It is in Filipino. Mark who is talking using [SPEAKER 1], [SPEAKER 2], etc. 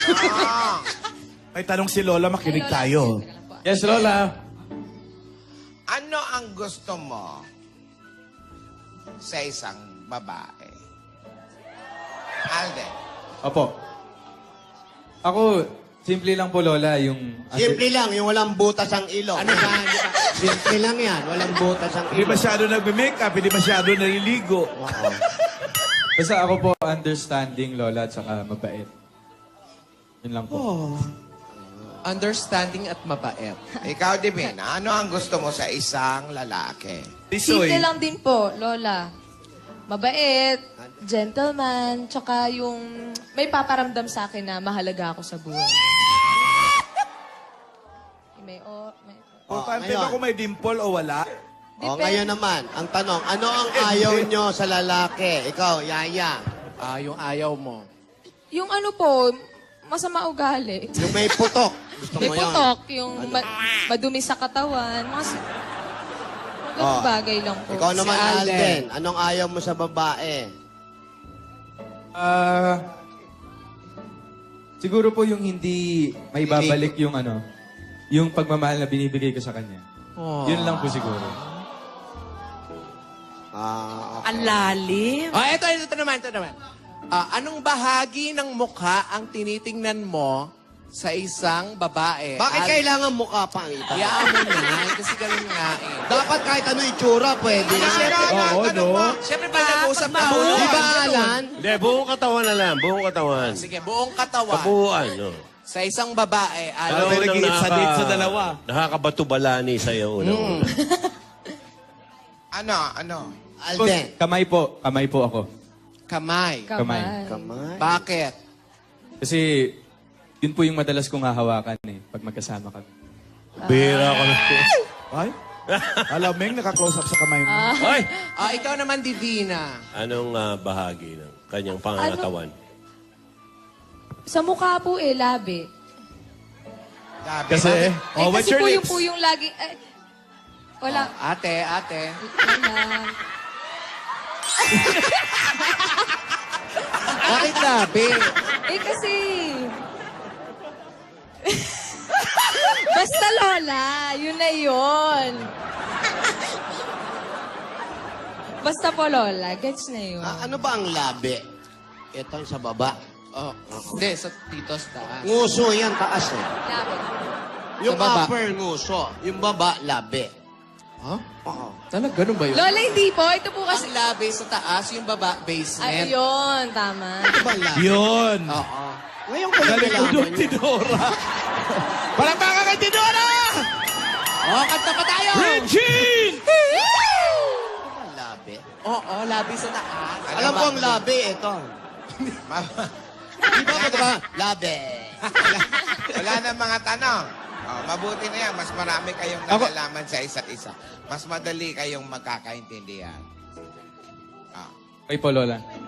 [SPEAKER 1] May tanong si Lola, makinig tayo.
[SPEAKER 2] Yes, Lola.
[SPEAKER 3] Ano ang gusto mo sa isang babae? Alden.
[SPEAKER 2] Opo. Ako, simple lang po, Lola, yung...
[SPEAKER 4] Simple lang, yung walang butas ang ilong. Ano ba? Simple lang yan, walang butas ang
[SPEAKER 1] Hindi
[SPEAKER 4] ilong.
[SPEAKER 1] masyado nagme-makeup, hindi masyado naliligo.
[SPEAKER 2] Basta ako po, understanding, Lola, at saka mabait. Yun lang po.
[SPEAKER 5] Understanding at mabait.
[SPEAKER 3] Ikaw, Divina, ano ang gusto mo sa isang lalaki?
[SPEAKER 1] Tisoy.
[SPEAKER 6] Simple lang din po, Lola. Mabait, gentleman, tsaka yung may paparamdam sa akin na mahalaga ako sa buhay. May...
[SPEAKER 1] Importante
[SPEAKER 4] ngayon.
[SPEAKER 1] ba kung may dimple o wala?
[SPEAKER 4] O, ngayon naman, ang tanong, ano ang ayaw nyo sa lalaki? Ikaw, Yaya.
[SPEAKER 5] Yung ayaw mo.
[SPEAKER 6] Yung ano po, masama ugali.
[SPEAKER 4] Yung may putok. Gusto
[SPEAKER 6] May
[SPEAKER 4] mo yun?
[SPEAKER 6] putok, yung madumi sa katawan. Mga ganung bagay lang po.
[SPEAKER 4] Ikaw naman,
[SPEAKER 5] Si Alden.
[SPEAKER 4] Alden. Anong ayaw mo sa babae?
[SPEAKER 2] Siguro po yung hindi may babalik yung ano, yung pagmamahal na binibigay ko sa kanya. Yun lang po siguro.
[SPEAKER 4] Okay.
[SPEAKER 7] Ang lalim.
[SPEAKER 5] Ito naman. Anong bahagi ng mukha ang tinitingnan mo sa isang babae?
[SPEAKER 4] Bakit kailangan mukha pa ang ita?
[SPEAKER 5] Hayaan mo na, kasi ganun nga eh.
[SPEAKER 4] Dapat kahit ano itsura, pwede.
[SPEAKER 1] Oo, no?
[SPEAKER 5] Siyempre, pag nag-usap na
[SPEAKER 4] Di ba, Alan?
[SPEAKER 8] Hindi, buong katawan na lang. Buong katawan.
[SPEAKER 5] Sige, buong katawan.
[SPEAKER 8] Kabuuan, no?
[SPEAKER 5] Sa isang babae,
[SPEAKER 1] Alam mo,
[SPEAKER 5] ano?
[SPEAKER 1] nag-iit sa date sa dalawa.
[SPEAKER 8] Nakakabato-balani sa'yo. Una-una.
[SPEAKER 3] Ano?
[SPEAKER 4] Alden.
[SPEAKER 2] Kamay po ako.
[SPEAKER 5] Kamay.
[SPEAKER 2] Kamay.
[SPEAKER 4] Kamay.
[SPEAKER 5] Bakit?
[SPEAKER 2] Kasi yun po yung madalas kong hahawakan eh, pag magkasama kami.
[SPEAKER 8] Bira ko na.
[SPEAKER 1] Ay? Alameng, naka-close up sa kamay mo.
[SPEAKER 8] Ay!
[SPEAKER 5] Ikaw naman, Divina.
[SPEAKER 8] Anong bahagi ng kanyang pangangatawan?
[SPEAKER 6] Sa mukha po labi.
[SPEAKER 3] Sabi,
[SPEAKER 1] Kasi, oh, what's
[SPEAKER 6] kasi
[SPEAKER 1] your
[SPEAKER 6] po
[SPEAKER 1] lips?
[SPEAKER 6] yung lagi... wala.
[SPEAKER 5] Ate.
[SPEAKER 6] Wala.
[SPEAKER 5] Bakit labi?
[SPEAKER 6] Kasi... Basta Lola, yun na yun. Basta po Lola, gets na yun.
[SPEAKER 4] Ano ba ang labi? Ito sa baba.
[SPEAKER 5] Hindi, dito sa taas.
[SPEAKER 4] Nguso yan, taas eh.
[SPEAKER 6] Labi.
[SPEAKER 4] Yung
[SPEAKER 5] Sa baba.
[SPEAKER 4] upper nguso. Yung baba, labi.
[SPEAKER 5] Huh?
[SPEAKER 4] Oo.
[SPEAKER 5] Talaga, ganun ba yun?
[SPEAKER 6] Lola, hindi po. Ito po kasi...
[SPEAKER 5] Ang labi sa taas, yung baba, basement.
[SPEAKER 6] Ayun, tama.
[SPEAKER 4] Ano ba ang labi?
[SPEAKER 1] Yun.
[SPEAKER 5] Oo.
[SPEAKER 4] Ngayon ko lang
[SPEAKER 1] Galing ko
[SPEAKER 4] nalaman
[SPEAKER 1] doon,
[SPEAKER 4] yun.
[SPEAKER 1] Tidora. Palakpakan kay Tidora!
[SPEAKER 5] Kanta pa tayo!
[SPEAKER 1] Regine!
[SPEAKER 4] Ano ba ang labi?
[SPEAKER 5] Oo, labi sa taas.
[SPEAKER 4] Alam ko ang labi, ito. Di ba ba? Labi.
[SPEAKER 3] Wala na mga tanong. Mabuti na yan. Mas marami kayong nalalaman sa isa't isa. Mas madali kayong magkakaintindihan.
[SPEAKER 2] Okay po, Lola.